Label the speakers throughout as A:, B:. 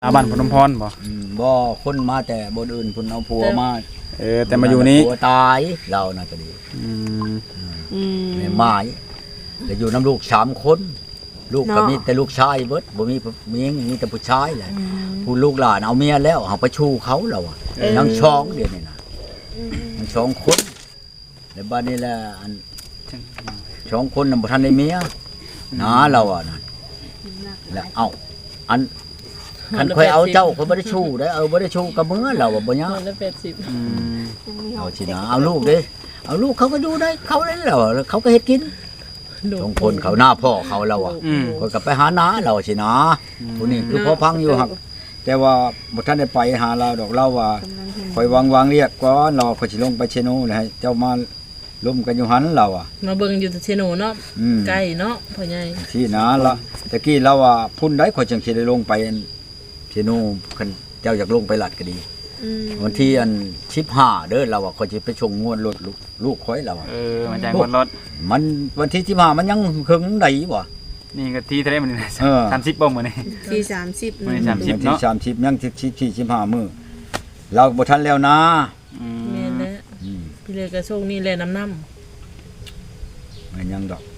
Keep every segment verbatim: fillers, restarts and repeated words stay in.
A: อาบ้านพนมพรบ่
B: อืมบ่คนมาแต่บนอื่นพุ่นเอาผัวมา
A: เออแต่มาอยู่นี้
B: ผัวตายเราน่ะก็ดี
A: อืม
C: อืม
B: แม่ไม้ก็อยู่น้ำลูกสามคนลูกก็มีแต่ลูกชายเบิดบ่มีมีมีแต่ผู้ชายแหละผู้ลูกหลานเอาเมียแล้วเอาไปชูเขาแล้วอ่ะทั้งช่องเดี๋ยวนี้น่ะทั้งสองคนแล้วบัดนี้แหละอันสองคนน่ะบ่ทันได้เมียนะเราอ่ะนั่นแล้วเอ้าอันคันค่อยเอาเจ้าเขาบ่ได้ชูได้เอาบ่ได้ชูกับมือเราบ่ยาก
D: คนละแปดสิบ
A: อืม
B: เอาสินะเอาลูกเด้เอาลูกเขาก็ดูได้เขาได้แล้วเขาก็เฮ็ดกินสองคนเขาหน้าพ่อเขาเราอ่ะก็กลับไปหาน้าเราสินะผู้นี้คือพอพังอยู่ครับแต่ว่าบ่ทันได้ไปหาเราดอกเราว่าค่อยวางวางเรียกก่อนเราค่อยสิลงไปเชโนให้เจ้ามาร่วมกันอยู่หันเราอ่ะ
D: มาเบิ่งอยู่ที่เชโนเนาะใกล้เนาะพ่อใหญ่
B: ที่นะละตะกี้เราว่าพุ่นได้ค่อยจังสิได้ลงไปเชโนคันเจ้าอยากลงไปลัดก็ดีวันที่อันสิบห้าเด้อเราว่าค่อยสิไปชงงวนรถลูกลูกค่อยเราอ่ะ
A: เออมาจ่ายงวดรถ
B: มันวันที่สิบห้ามันยังหึงได้บ่
A: นี่ก็ที่เท่าไหร่มื้อนี้สามสิบบ่มื้อนี้
C: ที่สามสิบ
A: มื้อนี้สามสิบ
B: เนาะสามสิบยังสิบสี่ สิบห้ามื้อเราบ่ทันแล้วนะ
A: อืม
D: แม่นแล้วพี่เลยก็ส่งนี่แหละน้ำน้
B: ำมันยังดอก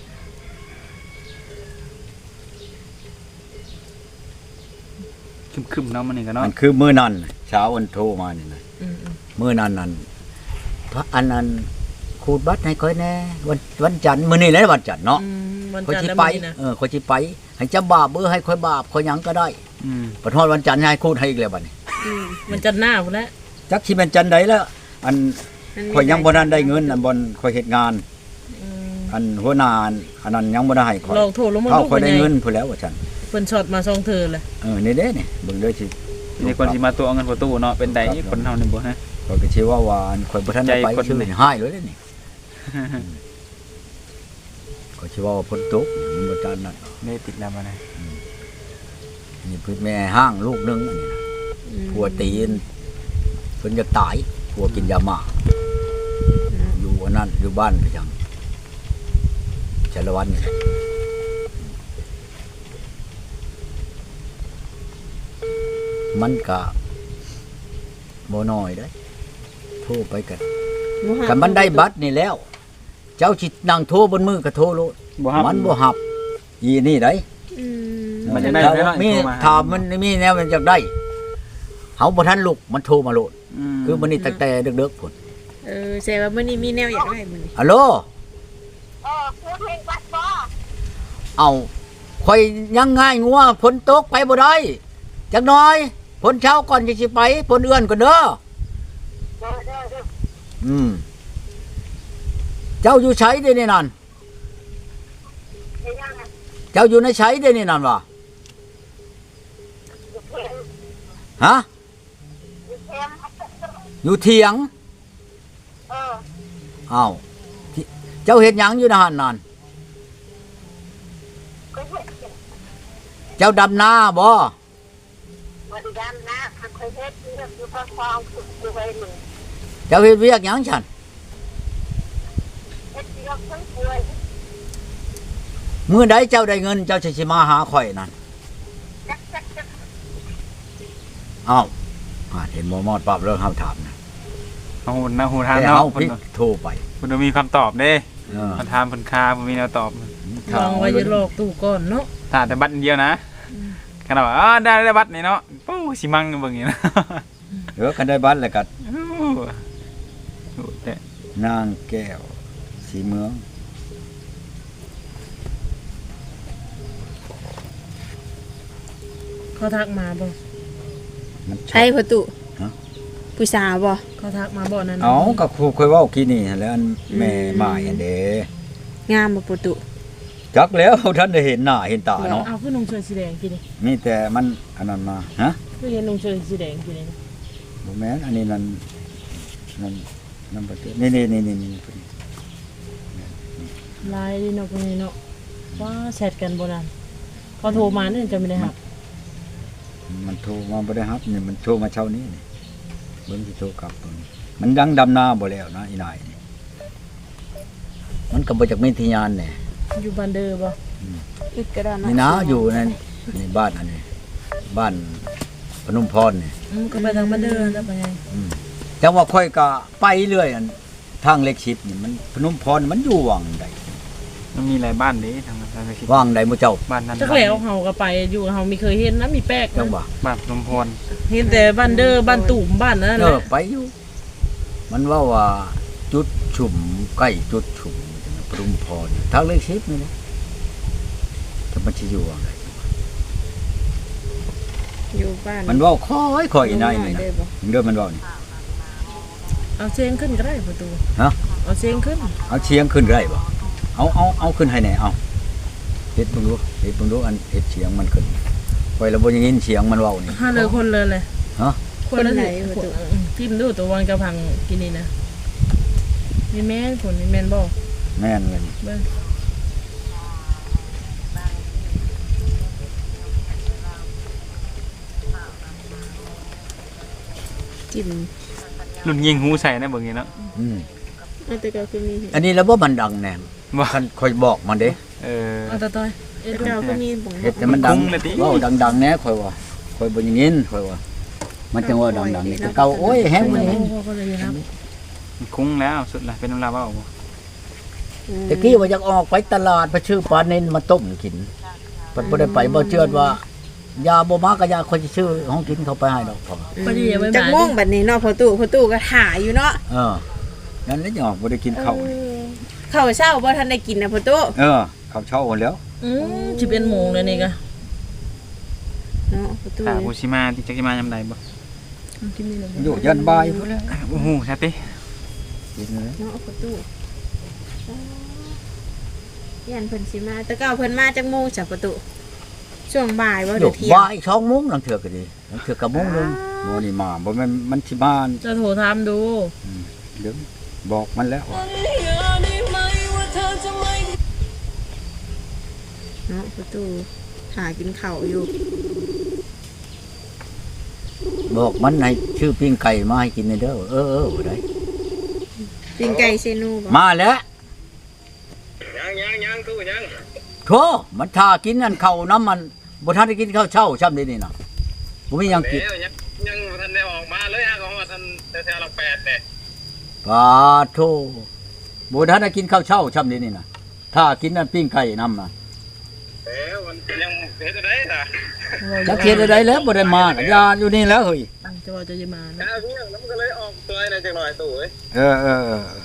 A: คึมๆเนาะมื้อนี้ก็เนาะ
B: มันคือมื้อนั้นเช้าวันโทรมานี่นะมื้อนั้นนั่นพระอันนั้นขูดบัตรให้ค่อยแน่วันวันจันทร์มื้อนี้แหละวันจันทร์เนาะ
D: วัน
B: ค่อย
D: จันท
B: สิ
D: ร์
B: ไป
D: นะ
B: เออค่อยสิไปให้เจ้าบาปเบอร์ให้ค่อยบาปค่อยหยังก็ได้
A: อืม
B: ปทอดวันจันทร์ให้ขูดให้อีกแล้วบัดนี้
D: วันจันทร์หน้าพุ่นแล้ว
B: จักสิแม่นจันทร์ใดแล้วอันค่อยยังบ่ทันได้เงินอันบ่ค่อยเฮ็ดงานอันหัวหน้าอันนั้นยังบ่ได้ให้ค่อย
D: ลองโทรลงมา
B: เขาค่อยได้เงินพุ่นแล้วว่าซั่น
D: เพิ่นช็อตมาส่งเธอเลย
B: เออนี่เด้นี่เบิ่งเด้อสิ
A: นี่คนสิมาตัวเอาเงินประตูเนาะเป็นไดคนเฮานี่บ่ฮะ
B: ข้อยก็สิว่าว่าอันค่อยบ่ทันได้ไปชื่อให้หายเลยเด้นี่ก็สิว่าฝนตกมันบ่ทันนั่น
A: นี่ติดแล้วมานะ
B: นี่เพิ่นแม่ห้างลูกนึงอันนี้นะผัวตีนเพิ่นจะตายผัวกินยาหม่าอยู่อันนั้นอยู่บ้านไปจังชาละวันนี่มันก็บ่น้อยเด้อโทรไปกันกันมันได้บัตรนี่แล้วเจ้าสินั่งโทรบนมือก็โทรโลดมันบ่ฮับอีนี่ได้
A: มันจะได้
B: มีถามมันมีแนวมันจะได้เฮาบ่ทันลุกมันโทรมาโลดคือมื้อนี้ตั้งแต่ดึกๆพุ่น
C: เออแสดงว่ามื้อนี้มีแนวอยากได้มื้อนี้
B: ฮัลโหล
E: เออพูดเพลงบัดบ่
B: เอ้าข่อยยังง่ายงัวฝนตกไปบ่ได้จักหน่อยฝนเช้าก่อนจะสิไปฝนเอื้อนก่อนเด้ออืมเจ้าอยู่ไสเด้นี่นั่นเจ้าอยู่ในไสเด้นี่นั่นวะฮะอยู่เถียง
E: เออ
B: อ้าวเจ้าเฮ็ดหยังอยู่นะหั่นนั่นเจ้าดำนาบ่
E: บ่ได้ดำนาเคยเฮ็ดเรื่องอยู่ประคองอยู่ไว้นี่
B: เจ้าเฮ็ดเวียกหยังฉัน
E: เฮ็ดเรื่องคนป่วย
B: มื้อใดเจ้าได้เงินเจ้าสิสิมาหาข่อยนั่นอ้าวเห็นบ่มอดปรับเรื่องเฮาถามนะ
A: เฮานะฮู้ทางเนาะ
B: เพิ่นโทรไป
A: เพิ่นมีคำตอบเด้เออถามเพิ่นค่าบ่มีแนวตอบ
D: ลองว่าจะหลอกตู้ก่อนเนาะ
A: ถ้าแต่บัตรเดียวนะคันว่าอ๋อได้ได้บัตรนี่เนาะปู้สิมังเบิ่งนี่นะ
B: เออคันได้บัตรแล้วก็
A: โอ้โหแต่
B: นางแก้วสีเมือง
D: เขาทักมาบ่
C: ใช่ประตูผู้สาวบ่
D: เขาทักมาบ่นั่น
B: เอ้าก็ครูเคยเว้ากี้นี่แล้วอันแม่หมายอันเด้
C: งามบ่ประตู
B: จักแล้วท่านได้เห็นหน้าเห็นตาเนาะ
D: เอาคือนุ่งเสื้อสีแดงกินนี่
B: มีแต่มันอันนั้นมาฮะ
D: คือเห็นนุ่งเสื้อสีแดงกินนี่
B: บ่แม่นอันนี้นั่นนั่นนั่นประตูนี่ๆๆ
D: ๆลายนี่เนาะนี่เนาะว่าแชทกันบ่นั่นเขาโทรมานั่นจะไม่ได้รับ
B: มันโทรมาบ่ได้รับนี่มันโทรมาเช้านี้นี่เบิ่งสิโทรกลับมันยังดำนาบ่แล้วนะอีนายนี่มันก็บ่จักมีที่ยานแน่
D: อยู่บ้านเด้อบ่
C: อึดกระดาน
B: นี่นะอยู่ในในบ้านอันนี้บ้านพนมพรนี่
D: อืมก็ไปทางบ้านเด้อแล้วเป็นไง
B: แต่ว่าค่อยก็ไปเรื่อยอันทางเล็กชิปนี่มันพนมพรมันอยู่วังใด
A: มันมีหลายบ้านเด้ทางทางคิด
B: วังใดหมู่เจ้า
A: บ้านนั้น
D: จักแล้วเฮาก็ไปอยู่เฮามีเคยเห็นนะมีแปลก
B: จัง
D: นะ
B: ว่า
A: บ้านพนมพร
D: เห็นแต่บ้านเด้อบ้านตุ่มบ้านนั่น
B: เอ
D: แห
B: อ
D: ละ
B: ไปอยู่ มันว่าว่าจุดชุมใกล้จุดชุมพนมพรทางเล็กชิปนี่นะถ้ามันสิอยู่วังใด
C: อยู่บ้าน
B: มันเว้าค่อยค่อยอีนายนี่นะ
C: ได้บ่
B: เด้อมันเว้านี่
D: เอาเสียงขึ้นก็ได้ประตู
B: ฮะ
D: เอาเสียงขึ้น
B: เอาเชียงขึ้นได้บ่เอาเอาเอาขึ้นให้แหน่เอาเฮ็ดเบิ่งดูเฮ็ดเบิ่งดูอันเฮ็ดเสียงมันขึ้นไว้แล้วบ่ยินเสียงมันเว้านี่
D: ห้าเลยคนเลยเลย
B: ฮะ
D: คนละสิคนพิมพ์ดูตัววางกระพังกินนี่นะมีแม่นผลมีแม่นบ่
B: แม่นเลย
D: เบิ่ง
C: กิน
A: รุ่นยิงหูใส่นะเบิ่งนี่เนาะ
B: อืม
C: อันแต่ก็คือมี
B: อันนี้แล้วบ่มันดังแน่
A: บ่
B: คันค่อยบอกมันเด้
A: เออ
D: เอาตาต้อยเอ็ด
C: แต่ก็คือมีบ่ง
B: เฮ็ดให้มันดัง
A: มันคุ้งเลยติ
B: เว้าดังๆแหน่ค่อยว่าค่อยบ่ยินค่อยว่า มันจังว่าดังๆนี่แต่เก่าโอ้ยแฮงบ่ยิน
D: พ่อก็เลยครับ
A: คุ้งแล้วสุดละเป็นน้ำลาเว้าบ่
B: ตะกี้ว่าอยากออกไปตลาดไปซื้อปลาเน้นมาต้มกินเพิ่นบ่ได้ไปบ่เชื่อว่ายาบ่มาก็ยาคนสิซื้อของกินเขาไปให้ดอกพอ
D: พอดีอย่าไป
C: จักม่วงบัดนี้เนาะพอตู้พอตู้ก็ถ่าอยู่เนาะ
B: เออนั่นแหละยังบ่ได้กินข้าวนี่
C: ข้าวเช้าบ่ทันได้กินนะพอตู้
B: เออข้าวเช้าหมดแล้ว
D: อืมสิบเอ็ดโมงเลยนี่ก็
C: เนาะพอตู้
A: ถ้าผู้สิมาที่จักสิมายามใดบ่
D: กินนี่เลย
B: อยู่ยันบ่ายพุ่นแล้ว
A: โอ้โหใช่ติ
B: กินเลย
C: เนาะพอตู้ยันเพิ่นสิมาแต่ก็เพิ่นมาจักโมงจ้ะพอตู้ช่วงบ่ายบ่
B: อ
C: หรื
B: ยู่
C: อเที่ยง
B: บ่ายสองโมงหลังเทื่อก็ดีหลังเทื่อก็โมงนึงโมนี่มาบ่แม่นมันสิมา
D: จะโทรถามดู
B: เดี๋ยวบอกมันแล้วว่า
C: เนาะพอตู้หากินข้าวอยู่
B: บอกมันให้ชื่อปิ้งไก่มาให้กินเด้อเออเออบ่ได้
C: ปิ้งไก่เซนูบ่
B: มาแล้ว
F: ยังยังยังตู้ยัง
B: โธ่มันท่ากินอันข้าวน้ำมันบ่ทันได้กินข้าวเช้าช่ำนี่น่ะบ่มีหยังกิน
F: เดี๋ยวยังยังทันได้ออกมาเลยฮะของว่าทันแถวๆหลักแปดเนี่ย
B: ปาโธ่บ่ทันได้กินข้าวเช้าช่ำนี่น่ะถ้ากินอันปิ้งไก่น้ำน่ะ
F: เอ้ยมันยังเฮ็ดได้ล่ะ
B: จักเทียนใดๆแล้วบ่ได้มาก็ยาอยู่นี่แล้วเฮ้ย
D: จะว่าจะมา
F: แล้
D: นะ
F: วเนี่ยแล้วมันก็เลยออกตัวในจังหน่อยตู้เอ้ย
B: เออเออเออ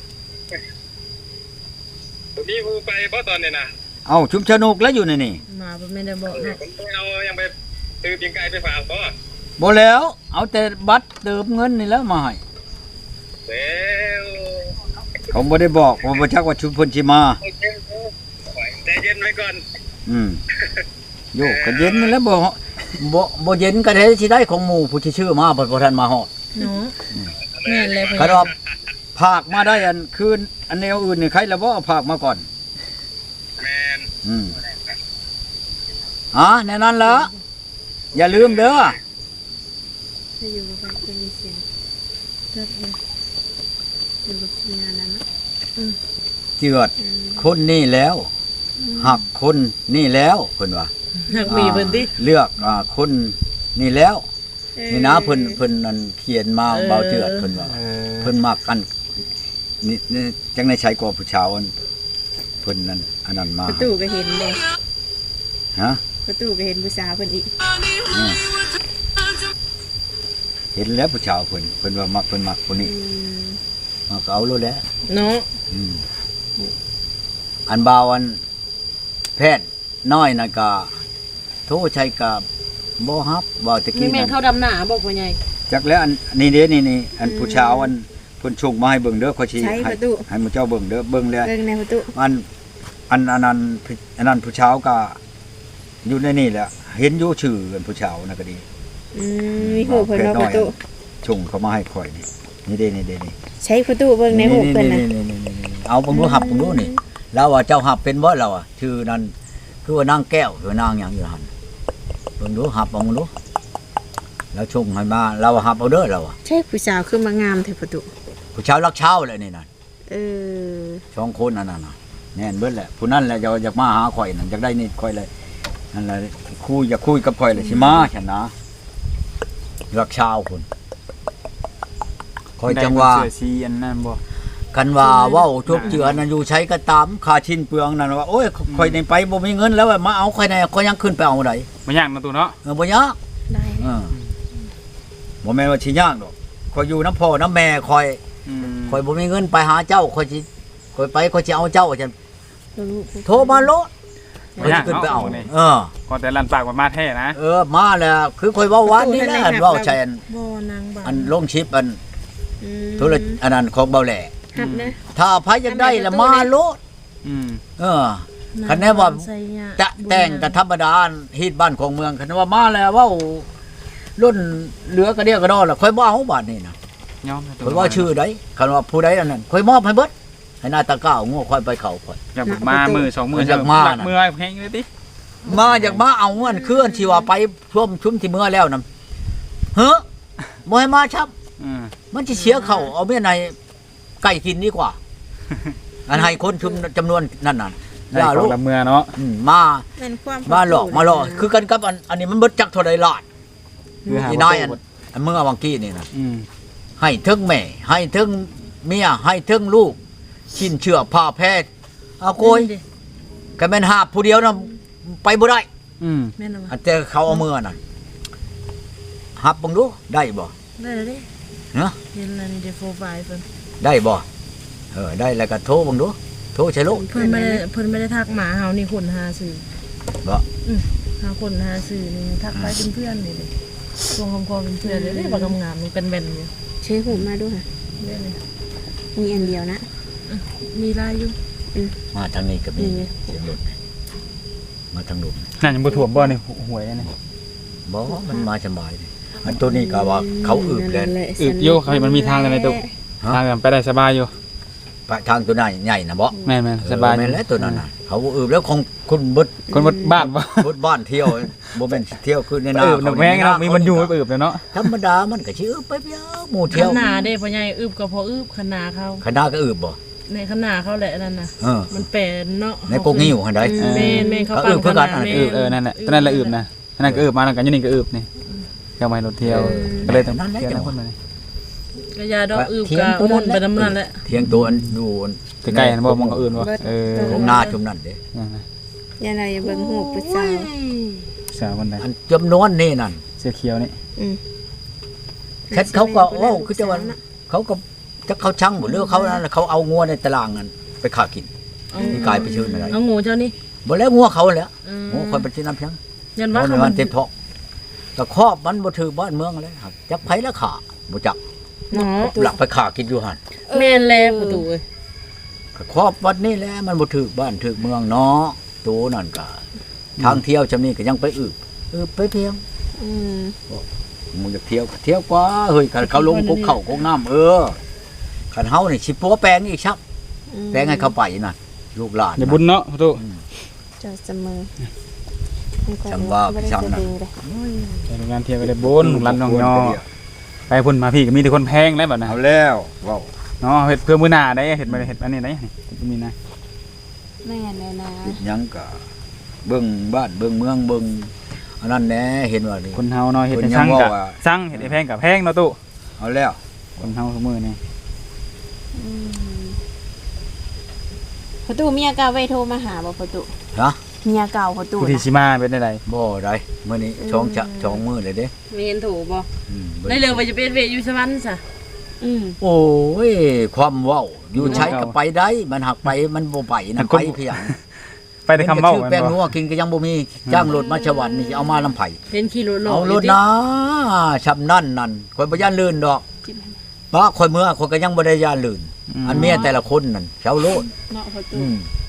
F: มีผู้ไปบ่ตอนนี้น่ะ
B: เอาชุมชนกแล้วอยู่นี่นี่
D: มาไม่ได้บอกเนาะ
F: ผมไปเอายังไปซื้อปิ้งไก่ไปฝากบ่
B: บ่แล้ว เอาแต่บัตรเติมเงินนี่แล้วมาให้
F: เดี๋ยว
B: เขาบ่ได้บอกว่าบ่จักว่าชุมพลสิมา
F: ใจเย็นไว้ก่อน
B: อืมโยกก็เย็นนี่แหล้วบ่บ่บ่เย็นก็ได้สิได้ของหมู่ผู้ที่ชื่อมาบ่บ่ทันมาฮอด
D: เนาะแม่นเลย
B: ก็รอบภาคมาได้อันคืนอันแนวอื่นนี่ใครละบ่เอาภาคมาก่อน
F: แมน
B: อืมอ่ะแน่นั้นละอย่าลืมเด้อ
C: ถ้าอยู่กับใครจะมีเสียงอยู่กับทีมงานนั้นเนาะ
B: เจือดคนนี่แล้วหักคนนี่แล้วเพิ่นว่า
D: หักมีเพิ่นติ
B: เลือกอ่าคนนี่แล้ว นี่นะเพิ่นเพิ่นนั่นเขียนมาเบาเจือดเพิ่นว่า
A: เออ
B: เพิ่นมักกันนี่นี่จังได้ใช้กว่าผู้ชาวอันเพิ่นนั่นอันนั้นมา
C: ประตูก็เห็นเลย
B: ฮะ
C: ประตูก็เห็นผู้สาวเพิ่นอีก
B: อืมเห็นแล้วผู้ชาวเพิ่นเพิ่นว่ามักเพิ่นมักคนนี้
C: อืม
B: มักเอาโลดแล้ว
D: เนาะ
B: อืมอันบาวอันแพทย์น้อยนั่นก็โทรใช้กับบ่ฮับว่าตะ
D: มี
B: กี้
D: แม่
B: นั่น
D: เข้าดำหน้าบอกว่าไง
B: จักแล้วอันนี่เด้นี่นี่อันผู้ชาวอันเพิ่นส่งมาให้เบิ่งเด้อขอชี้
C: ใช้
B: ให้
C: ประตู
B: ให้หมู่เจ้าเบิ่งเด้อเบิ่งแล้ว
C: เรื่องในประตู
B: อันอันอันนั้นอันนั้นผู้ชาวก็อยู่ในนี่แหละเห็นอยู่ชื่ออันผู้ชาวนั่นก็ดี
C: อืมมีหูเพิ่นว่าประตู
B: ส่งเขามาให้ข่อยนี่นี่เด้นี่เด้นี่
C: ใช้ประตูเบิ่งในหูเพิ่นน่ะ
B: เอาเบิ่งดูหับเบิ่งดูนี่แล้วว่าเจ้าหับเป็นบ่เราอ่ะชื่อนั้นคือว่านางแก้วหรือนางหยังอยู่หั่นเบิ่งดูหับเอาเบิ่งดูแล้วส่งให้มาเราว่าหับเอาเด้อเราอ่ะ
C: ใช่ผู้สาวคือมางามแท้ประตู
B: ผู้ชาวรักเช้าเลยนี่น่ะ
C: เออ
B: สองคนอันนั้นน่ะแน่นเบิดแหละผู้นั้นแหละอยากอยากมาหาข่อยนั่นอยากได้นี่ข่อยเลยนั่นแหละคุยอยากคุยกับข่อยเลยสิมาฉันนะรักชาวพุ่นคอยจังว่า
A: เสื้อสีอันนั้นบ่
B: กันว่าเว้าทุกเจือนั่นอยู่ใช้ก็ตามค่าชิ้นเปลืองนั่นว่าโอ้ยข่อยนี่ไปบ่มีเงินแล้วมาเอาข่อยในข่อยยังขึ้นไปเอาได้
A: บ่ยากนะตู่เนาะ
B: เออบ่ยาก
C: ได้
B: เออบ่แม่นว่าสิยากดอกข่อยอยู่น้ำพ่อน้ำแม่ข่อย
A: อืม
B: ข่อยบ่มีเงินไปหาเจ้าข่อยสิข่อยไปข่อยสิเอาเจ้าจัง
C: ลูก
B: โทรมาโลด
A: บ่
B: ข่อย
A: ยา
B: สิ
A: ก
B: ขึ้นไปเอา
A: เนาะนี่
B: เออ
A: ก็แต่ลั่นปากว่ามาแท้นะ
B: เออมาแล้วคือข่อยเว้าหวานนี่แหละเว้าใจอัน
D: บ่นางบ้าน
B: อันลงชิปอัน
C: อืม
B: โทรอันนั้นของเบาแหล่
C: หับนะ
B: ถ้าไผอยากได้ละมาโลด
A: อืม
B: เออ คันแน่ว่า
D: ใส่ย
B: จะแต่งกับธรรมดาฮีดบ้านของเมืองคันว่ามาแล้วเว้ารุ่นเหลือกระเดียกระดอล่ะค่อยบ่เอาบาดนี่นะ
A: ยอมนะตู่
B: ค่อยว่าชื่อใดคันว่าผู้ใดอันนั้นค่อยมอบให้เบิดให้หน้าตาก้าวงัวค่อยไปเขาค่อย
A: อยากมามือสองมือ
B: อยากมาน่ะ
A: มือแพงเลยติ
B: มาอยากมาเอาเงินคืออันที่ว่าไปช่วมชุมที่เมื่อแล้วนํเฮ้อบ่ให้มาชับ
A: อืม
B: มันสิเสียเขาเอาเมียในไก่กินดีกว่า อันให้คนชุมจำนวนนั่นน่ะ
A: ได้
B: อย่า
A: ข
B: ลู
A: อง
B: ก
A: ละเมือเนาะ
B: อืมมา
C: แม่นความ
B: มาหลอกมาหลอกคือกันกับอันอันนี้มันเบิดจักเท่าใดลาด
A: คือหา
B: อีนายอันอันเมื่อวังกี้นี่น่ะ
A: อืม
B: ให้ถึงแม่ ให้ถึงเมียให้ถึงลูกชิ้นเชื่อผ้าแพทย์เอาโกยก็แม่นหาบผู้เดียวน่ะไปบ่ได้
A: อืม
D: แม่นบ่
B: อันแต่เขาเอามือน่ะหับเบิ่งดูได้บ่
D: ได้แล้วเด้
B: เนาะ
D: เห็นแล้วนี่ได้โปรไฟล์เพิ่น
B: ได้บ่เออได้แล้วก็โทรเบิ่งดูโทรใช่ลูก
D: เพิ่นไม่ได้เพิ่นไม่ได้ทักมาเฮานี่คนหาสื่อ
B: บ่
D: หาคนหาสื่อนี่ทักไปเป็นเพื่อนนี่เลยส่งคำความเป็นเพื่อนเลยเด้บ่งามๆนี่เป็นแบนอยู่
C: เชื่อหูมาด้วยค่ะ
D: เด้นี่
C: มีอันเดียวนะ
D: มีลายอยู่
B: มาทางนี้ก็มี
C: มี
B: เสียงรถมาทางนู้น
A: นั่นยังบ่ถ่วมบ่นี่หวยอันนี้
B: บ่มันมาสบายดิอันตัวนี้ก็ว่าเขาอึบแล้ว
A: อึบอยู่ครับมันมีทางอะไรตู่
B: ฮะ
A: ทางกันไปได้สบายอยู่
B: ปะทางตัวนั้นใหญ่น่ะบ่
A: แม่นๆสบาย
B: เออแม่นแล้วตัวนั้นน่ะเขาอึบแล้วของคุณเบิด
A: คนบ่บ้านบ่
B: รถบ้านเที่ยวบ่แม่นเที่ยวคือในนา
A: เออน้ำแพงเนาะมีมันอยู่ไปอึบเลยเนาะ
B: ธรรมดามันก็สิอึบไปเพียงหมู่
D: ข
B: เที่ยว
D: นาดเด้พ่อใหญ่อึบก็พออึบขนาเขา
B: คณะก็อึบบ่
D: ในขนาเขาแหละนั่นน่ะ
B: เออ
D: มันเป็นเนาะ
B: ในกกงิ้วหั่นใด
D: แม่นแม่นเขา
B: เขาอึบคือกัน
D: ขนาด
A: เออเออนั่นแหละตอนนั้นละอึบนะอันนั้นก็อึบมาแล้วกันอยู่นี่ก็อึบนี่ก็มาให้รถเที่ยวก็เลยต้องเที่ยวนะคนมา
D: ก็ยาดอกอึบก็ม่นไปน้ำนั่นแหละ
B: เที่ยงตัวอันอยู่อัน
A: ใกล้ๆนะบ่มองก็อื่นบ่เออ
B: ของนาชุมนั้นเด้
A: นั่นนะ
C: ยายนายเบิ่งหูปุสาว
A: สาวคนใด
B: อันจำนวนนี่นั่น
A: เสื้อเขียวนี่
C: อืม
B: แค่เขาก็เว้าคือจะว่าเขาก็จะเขาช่างบ่หรือเขานั่นเขาเอางัวในตารางนั้นไปฆ่ากินนี่กลายไปชื่ออะไร
D: เอางูเจ้านี่
B: บ่แล้วงัวเขาแหล้ว
D: อืม
B: งัวคนไปที่น้ำเพียง
D: ยัน
B: บ่
D: ว่า
B: ใน
D: เขา
B: วันเต็มท้องแต่ครอบมันบ่ถือบ้านเมืองเลยครับจักไผละขาบ่จัก
C: เนาะ
B: หลักไปฆ่ากินอยู่หั่น
D: แม่นแลประตูเอ้ย
B: ก็ครอบวัดนี่แหละมันบ่ถือบ้านถือเมืองเนาะตัวนั่นก็ทางเที่ยวจำนี้ก็ยังไปอึบอึบไปเพียง
C: อืม
B: มึงจะเที่ยวก็เที่ยวกว่าเฮ้ยคันเขาลงกุกเข้ากุกน้ำเออคันเฮานี่สิปัวแปลงอีกครับแปลงให้เขาไปน่ะลูกหลาน
A: อย่าบุญเนาะประตู
C: เจอเสมอ
B: จำว่าพี่ช่างนั่น
A: ไปโรงงานเที่ยวก็ได้บุญรันน้องยอไปพุ่นมาพี่ก็มีแต่คนแพงแล้วบัดน่ะ
B: เอาแล้วว้าว
A: เนาะเฮ็ดเพื่อมื้อหน้าได้เฮ็ดมาเฮ็ดอันนี้ได้นี่มีนะ
C: แม่นเลยนะ
B: หยังก็เบิ่งบ้านเบิ่งเมืองเบิ่งอันนั้นแหน่เห็นว่านี่
A: คนเฮาเนาะเฮ็ดให้
B: คนยัง
A: สั่งก็
B: ว่าว่า
A: สั่งเฮ็ดให้แพงก็แพงเนาะตู้
B: เอาแล้ว
A: คนเฮาซุมื้อนี้
C: ประตูเมียเก่าไปโทรมาหาบ่ประตู
B: ฮะ
C: เมียเก่าประตู
A: ผู้ที่
C: นะ
A: สิมาเป็นได้
B: บ่ได้มื้อนี้ช่องจะช่องมื้อเลยเด้
D: มีเห็นถูกบ่
B: อืม
D: ในเรื่องว่าจะเป็นเวทอยู่สวรรค์ซะ
C: อืม
B: โอ้ยความเว้าอยู่ใช้ก็ไปได้มันหักไปมันบ่ไปนะไปคือหยัง
A: ไปแต่คำเว้า
B: แป้งนัวกินก็ยังบ่มีจ้างรถมาชวันนี่เอามาลำไผ
D: เห็นขี่รถหลอ
B: เอา
D: ก
B: รถนะชำนั่นนั่นข่อยบ่ย่านลื่นดอกบ้าข่อยเมื่อข่อยก็ยังบ่ได้ย่านลื่น อันเมียแต่ละคนนั่นเช้าโลด
C: เนาะประตู
B: อืม